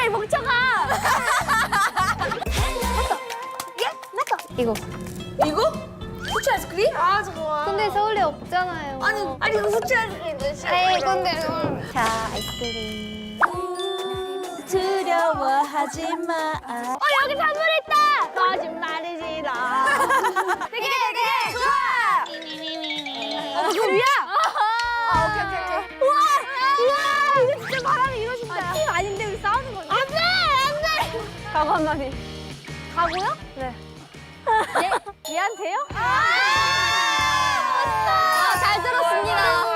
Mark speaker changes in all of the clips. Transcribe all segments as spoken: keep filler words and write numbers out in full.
Speaker 1: 빨리 멍청아.
Speaker 2: 예? 나꺼. 이거.
Speaker 1: 이거? 후추 아이스크림? 아 좋아.
Speaker 2: 근데 서울에 없잖아요.
Speaker 1: 아니 아니 이거 후추 아이스크림 싫어.
Speaker 2: 에이 근데 자 아이스크림.
Speaker 1: 두려워하지 마.
Speaker 2: 어 여기 선물 있다. 거짓말이지라. 되게 되게
Speaker 1: 좋아.
Speaker 2: 어 소리야?
Speaker 1: 아 오케이 오케이 오케이.
Speaker 2: 우와 우와 이거 진짜 바람이 이러신다. 아, 팀 아닌데 우리 싸우는 거지? 안돼 안돼. 각오 한마디. 각오요? 네. 얘 얘한테요? 아, 아, 잘 들었습니다.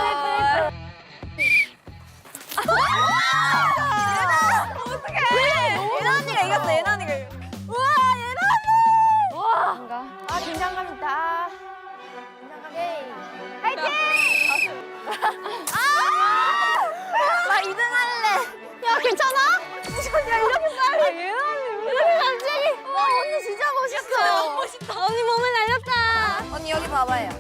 Speaker 1: 예나 언니가 이겼어. 예나 언니가 이겼어. 우와 예나 언니.
Speaker 2: 와.
Speaker 1: 아 긴장감 있다.
Speaker 2: 화이팅!
Speaker 1: 나 이 등 할래.
Speaker 2: 야 괜찮아?
Speaker 1: 야 이렇게 빨리. 예나 언니
Speaker 2: 이렇게 갑자기? 와 언니 진짜 멋있어.
Speaker 1: 너무 멋있다.
Speaker 2: 언니 몸에 날렸다.
Speaker 1: 언니 여기 봐봐요.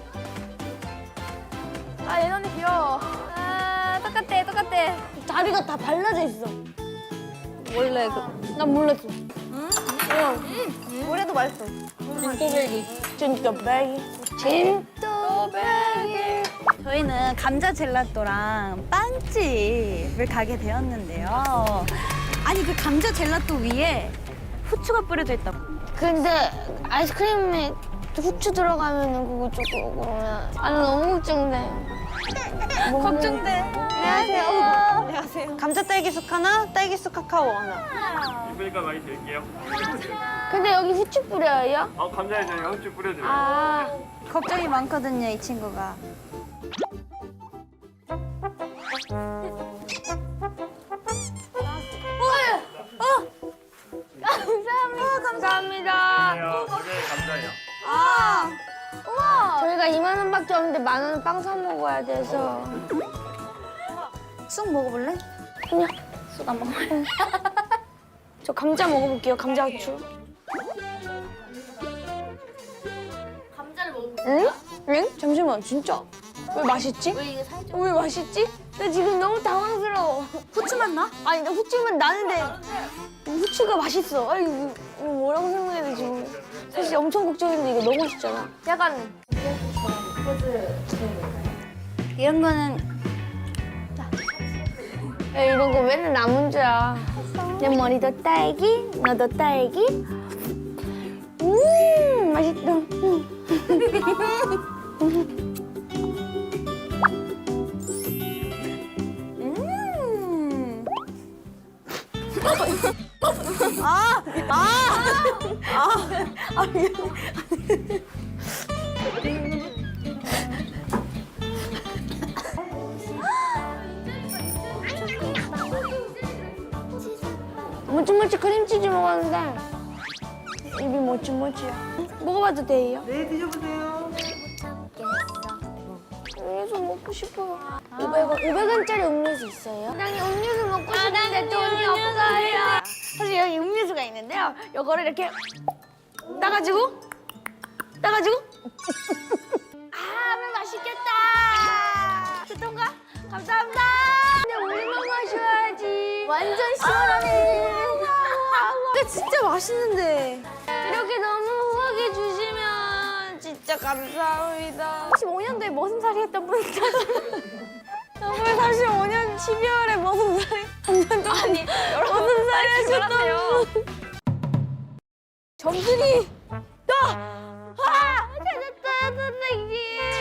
Speaker 1: 아 예나 언니 귀여워.
Speaker 2: 아 똑같대 똑같대. 다리가 다 발라져 있어. 원래 그, 난 몰랐어.
Speaker 1: 응? 응. 물에도 맛있어.
Speaker 2: 진또배기.
Speaker 1: 진또배기.
Speaker 2: 진또배기.
Speaker 3: 저희는 감자 젤라또랑 빵집을 가게 되었는데요. 아니 그 감자 젤라또 위에 후추가 뿌려져 있다고.
Speaker 2: 근데 아이스크림에 후추 들어가면은 그거 조금 그러면 아 나 너무 걱정돼.
Speaker 3: 걱정돼.
Speaker 2: 안녕하세요.
Speaker 3: 안녕하세요. 감자 딸기숙 하나, 딸기숙 카카오 하나.
Speaker 4: 이쁘니까 많이 드릴게요.
Speaker 2: 근데 여기 후추 뿌려요?
Speaker 4: 아 감자에 저희가 후추 뿌려드려요.
Speaker 2: 아
Speaker 3: 걱정이 많거든요, 이 친구가.
Speaker 2: 감사합니다. 감사합니다.
Speaker 4: 안녕하세요. 이게 감자예요.
Speaker 2: 아 우와. 저희가 이만 원밖에 없는데 만 원은 빵 사 먹어야 돼서.
Speaker 3: 쑥 먹어볼래?
Speaker 2: 그냥 쑥 안 먹어요. 저 감자 먹어볼게요. 감자 후추.
Speaker 1: 감자를 먹어.
Speaker 2: 응? 응? 잠시만 진짜 왜 맛있지?
Speaker 1: 왜 이게 살짝?
Speaker 2: 왜 맛있지? 나 지금 너무 당황스러워.
Speaker 3: 후추맛 나?
Speaker 2: 아니 나 후추만 나는데 후추가 맛있어. 아니 이거 이거 뭐라고 설명해야 되지? 사실 엄청 걱정했는데 이거 너무 맛있잖아. 약간
Speaker 3: 이런 거는
Speaker 2: 야, 이런 거 맨날 나 문제야. 내 머리도 딸기, 너도 딸기. 음 맛있다.
Speaker 3: 음. 아, 아, 아, 아, 미안해.
Speaker 2: 모찌모찌 크림치즈 먹었는데 입이 모찌모찌야. 먹어봐도 돼요?
Speaker 5: 네, 드셔보세요.
Speaker 2: 음료수 먹고 싶어요. 오백 원, 오백 원짜리 음료수 있어요? 나는 음료수 먹고 싶은데 돈이 없어요. 사실 여기 음료수가 있는데요. 이거를 이렇게 따가지고 따가지고 아, 하면 맛있겠다. 됐던가? 감사합니다. 근데 우리만 마셔야지. 완전 시원하네. 근데 진짜 맛있는데. 이렇게 너무 후하게 주시면 진짜 감사합니다. 사십오 년도에 머슴살이 했던 분이죠. 정말 사십오 년 십이월에 머슴살이 한 년 동안 아니, 머슴살이 하셨던 분. 점순이 나! 아! 찾았다, 선생님.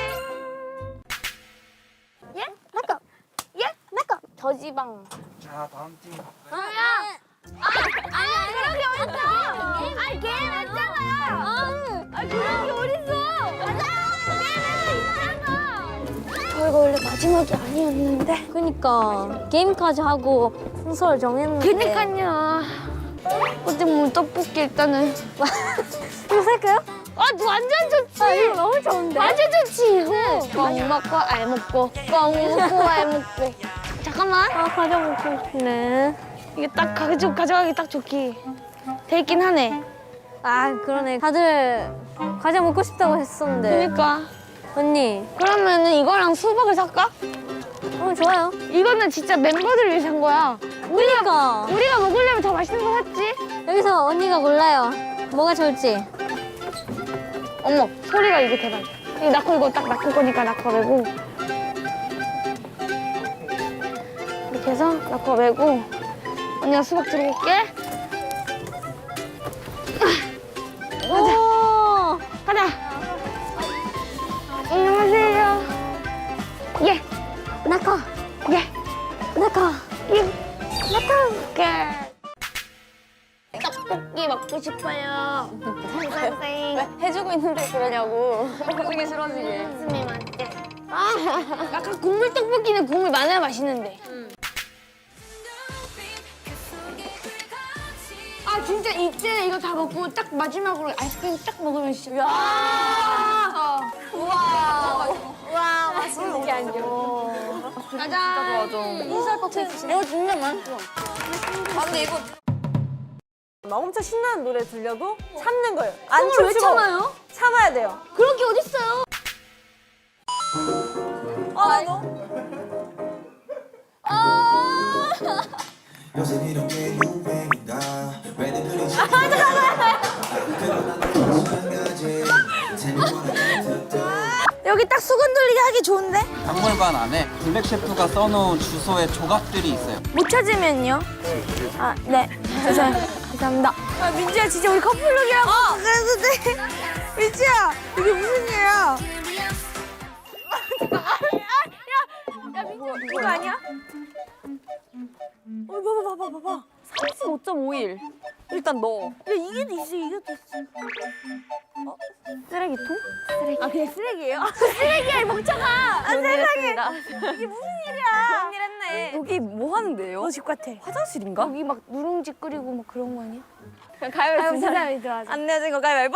Speaker 2: 예? 나꺼. 예? 나꺼. 저지방.
Speaker 4: 자 다음 팀.
Speaker 2: 아야. 아, 그런 게 어딨어? 아니, 게임 했잖아요. 아, 그런 게 어딨어? 맞아. 게임에서 있잖아. 저희가 원래 마지막이 아니었는데.
Speaker 6: 그니까 게임까지 하고 순서를 정했는데.
Speaker 2: 그니까요. 어디 뭐 떡볶이 일단은.
Speaker 6: 이거 살까요?
Speaker 2: 아, 완전 좋지.
Speaker 6: 아, 이거 너무 좋은데?
Speaker 2: 완전 좋지, 이거. 뻥 먹고 알 먹고, 뻥 먹고 알 먹고. 잠깐만.
Speaker 6: 아 과자 먹고 싶네.
Speaker 2: 이게 딱 가져, 가져가기 딱 좋기. 돼 있긴 하네.
Speaker 6: 아 그러네. 다들 과자 먹고 싶다고 했었는데.
Speaker 2: 그러니까.
Speaker 6: 언니.
Speaker 2: 그러면은 이거랑 수박을 살까?
Speaker 6: 어 좋아요.
Speaker 2: 이거는 진짜 멤버들 위해 산 거야.
Speaker 6: 그러니까
Speaker 2: 우리가 먹으려면 더 맛있는 거 샀지?
Speaker 6: 여기서 언니가 골라요. 뭐가 좋을지.
Speaker 2: 어머, 소리가 이게 대박이야. 이 나코 이거 딱 나코 거니까 나코 메고. 이렇게 해서 나코 메고. 언니가 수박 들고 올게.
Speaker 6: 오.
Speaker 2: 가자. 안녕하세요. 예.
Speaker 6: 나카.
Speaker 2: 예.
Speaker 6: 나카.
Speaker 2: 예. 나카. 떡볶이 먹고 싶어요. 선생님.
Speaker 1: 해주고 있는데 그러냐고. 해주기 싫어지게.
Speaker 2: 스미 맞대. 아, 약간 국물 떡볶이는 국물 많아야 맛있는데. 아 진짜 이때 이거 다 먹고 딱 마지막으로 아이스크림 딱 먹으면 진짜. 야.
Speaker 1: 우와. 우와, 맛있는 게 아니고.
Speaker 2: 짜잔.
Speaker 1: 인사 버튼.
Speaker 2: 이거 진짜 맛있어.
Speaker 1: 아, 근데 이거. 막 엄청 신나는 노래 들려도 참는 거예요. 안 춤추고 왜 참아요? 참아야 돼요.
Speaker 2: 그런 게 어딨어요?
Speaker 1: 아, 너.
Speaker 5: 요새 이런 게 유행이다. 왜들 그리
Speaker 2: 여기 딱 수건 돌리기 하기 좋은데?
Speaker 7: 박물관 안에 블랙 셰프가 써놓은 주소의 조각들이 있어요.
Speaker 2: 못 찾으면요? 아, 네. 죄송, 죄송합니다. 아, 민지야, 진짜 우리 커플룩이라고 그랬는데. 민지야, 이게 무슨 일이야? 야, 민지야, 이거 아니야?
Speaker 1: 어, 봐봐, 봐봐, 봐봐. 삼십오 점 오일. 일단 넣어.
Speaker 2: 야, 이게 있어, 이것도 있어. 어? 쓰레기통? 쓰레기. 아, 그냥 쓰레기예요? 아, 쓰레기야, 이 멍청아! 아, 세상에! 이게 무슨 일이야?
Speaker 1: 좋은 일 했네. 여기 뭐 하는데요?
Speaker 2: 너 집 같아.
Speaker 1: 화장실인가?
Speaker 2: 여기 막 누룽지 끓이고 막 그런 거 아니야?
Speaker 1: 그냥 가위바위보
Speaker 2: 아유,
Speaker 1: 진짜.
Speaker 2: 사람이 들어가자.
Speaker 1: 안 내어진 거 가위바위보?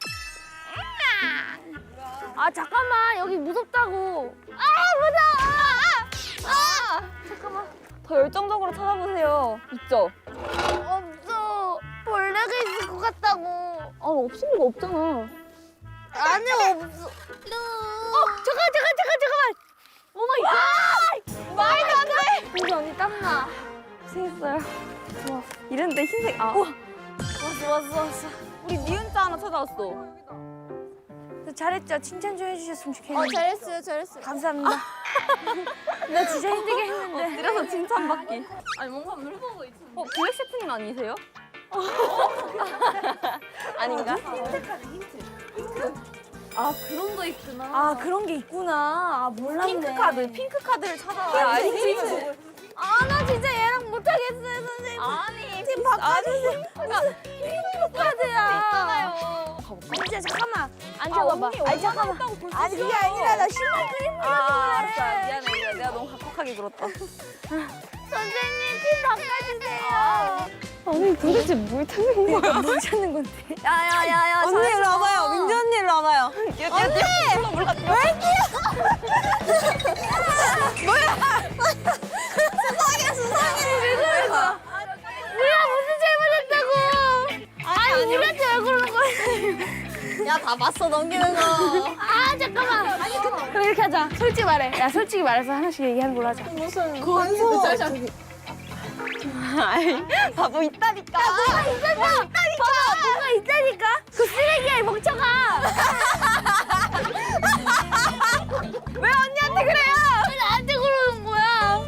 Speaker 2: 아, 잠깐만. 여기 무섭다고. 아, 무서워! 아! 아! 잠깐만.
Speaker 1: 더 열정적으로 찾아보세요. 있죠?
Speaker 2: 없어. 벌레가 있을 것 같다고.
Speaker 1: 아, 없을 리가 없잖아.
Speaker 2: 안에 없어. 어, 잠깐, 잠깐, 잠깐, 잠깐만. 오 마이 갓! 말도 안 돼! 우리 언니 땀나.
Speaker 1: 고생했어요. 좋아. 이런데 흰색, 아.
Speaker 2: 왔어, 왔어, 왔어.
Speaker 1: 우리 니은자 하나 찾아왔어.
Speaker 2: 잘했죠? 칭찬 좀 해주셨으면 좋겠는데.
Speaker 1: 어, 잘했어요, 잘했어요.
Speaker 2: 감사합니다. 나 진짜 힘들게 했는데.
Speaker 1: 이래서 칭찬받기. 아니, 뭔가 물어보고 있어. 어, 블랙 셰프님 아니세요? 아닌가? 아, 그런 거 있구나.
Speaker 2: 아, 그런 게 있구나. 아, 몰랐네.
Speaker 1: 핑크 카드, 핑크 카드를 찾아와요. 아니, 힌트.
Speaker 2: 아, 나 진짜 얘랑 못하겠어요, 선생님.
Speaker 1: 아니,
Speaker 2: 팀 바꿔주세요.
Speaker 1: 핑크
Speaker 2: 카드야.
Speaker 1: 있잖아요.
Speaker 2: 진짜 잠깐만. 앉아봐봐.
Speaker 1: 언니,
Speaker 2: 아니,
Speaker 1: 얼마나
Speaker 2: 잠깐만.
Speaker 1: 했다고 벌써
Speaker 2: 아니, 그게
Speaker 1: 싫어.
Speaker 2: 아니라 나 신발 끓인
Speaker 1: 아, 아, 알았어. 미안해, 미안해. 내가 너무 각박하게 굴었다.
Speaker 2: 선생님, 팀 바꿔주세요.
Speaker 1: 아니, 도대체 뭘 찾는 거야?
Speaker 2: 뭘 찾는 건데?
Speaker 1: 야야야야. 언니 일로 와봐요. 민지 언니 일로 와봐요. 언니! 물 갖다. 왜
Speaker 2: 수상해, 수상해. 왜 그러는 거야? 우리가 무슨 잘못했다고? 아니, 우리한테 왜 그러는 거야?
Speaker 1: 야, 다 봤어, 넘기는 거.
Speaker 2: 아, 잠깐만. 아니, 근데. 그럼 이렇게 하자. 솔직히 말해. 야, 솔직히 말해서 하나씩 얘기하는 걸로 하자.
Speaker 1: 무슨. 건소. 아이, 바보 있다니까.
Speaker 2: 뭐가 있었어? 있다니까. 뭐가 있다니까? 그 쓰레기야, 이 멍청아.
Speaker 1: 왜 언니한테 그래요?
Speaker 2: 왜 나한테 그러는 거야?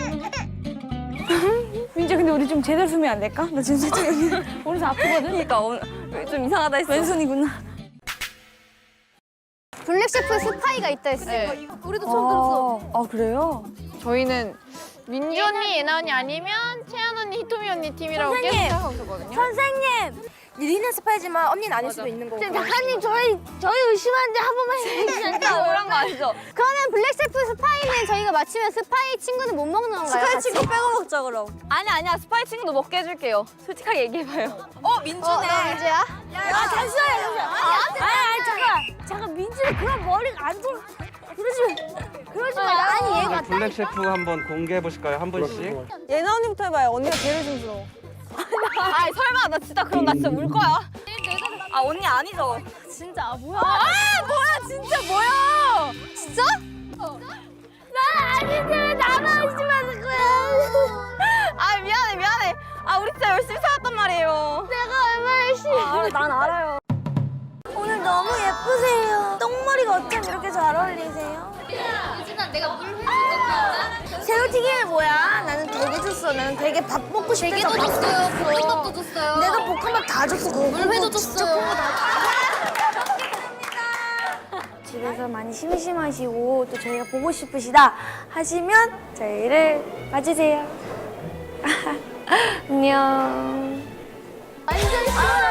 Speaker 2: 민지, 근데 우리 좀 제대로 쓰면 안 될까? 나 지금 살짝 여기 오른손 아프거든?
Speaker 1: 그러니까 오늘 좀 이상하다 했어.
Speaker 2: 왼손이구나.
Speaker 6: 블랙 셰프 스파이가 있다 했어요.
Speaker 2: 우리도 처음 들었어.
Speaker 1: 아, 그래요?
Speaker 8: 저희는 민지 언니, 예나 언니 아니면 채연 언니, 히토미 언니 팀이라고 계속
Speaker 2: 선생님!
Speaker 8: 생각하고 있었거든요.
Speaker 2: 선생님! 리는 스파이지만 언니는 아닐 수도 있는 거고. 작가님, 저희, 저희 의심하는데 한 번만 해주시면 안 돼요?
Speaker 1: 그런 거 아시죠?
Speaker 6: 그러면 블랙 셰프 스파이는 저희가 맞추면 스파이 친구는 못 먹는 건가요?
Speaker 1: 스파이
Speaker 6: 같이?
Speaker 1: 친구 빼고 먹자, 그럼. 아니, 아니야. 스파이 친구도 먹게 해줄게요. 솔직하게 얘기해봐요. 어, 민주네.
Speaker 6: 어, 나 민지야?
Speaker 2: 아, 잠시만요, 잠시만요. 아니, 아니, 아니, 잠깐. 잠깐, 민지는 그런 머리가 안 돌아. 그러지, 그러지 마. 아니, 얘가.
Speaker 4: 블랙 셰프 한번 공개해 보실까요? 한 분씩.
Speaker 1: 예나 언니부터 해봐요. 언니가 제일 좀 아, 설마. 나 진짜 그럼 나 진짜 울 거야. 아, 언니 아니죠?
Speaker 2: 진짜, 아, 뭐야.
Speaker 1: 아, 뭐야. 진짜 뭐야.
Speaker 2: 진짜? 난 아닌데 왜 나만 의심하는 거야?
Speaker 1: 아, 미안.
Speaker 6: 난 알아요.
Speaker 2: 오늘 너무 예쁘세요. 똥머리가 어쩜 이렇게 잘 어울리세요?
Speaker 8: 유진아 내가 물 해줄 거야.
Speaker 2: 새우튀김이 뭐야? 나는 되게 줬어. 나는 되게 밥 먹고 싶어서
Speaker 8: 되게도
Speaker 2: 밥
Speaker 8: 줬어요. 볶음밥도 줬어요.
Speaker 2: 내가 볶음밥 다 줬어. 그거
Speaker 8: 물회도
Speaker 2: 진짜
Speaker 8: 줬어요.
Speaker 2: 그거 다 집에서 많이 심심하시고 또 저희가 보고 싶으시다 하시면 저희를 봐주세요. 안녕. 완전 시원하다.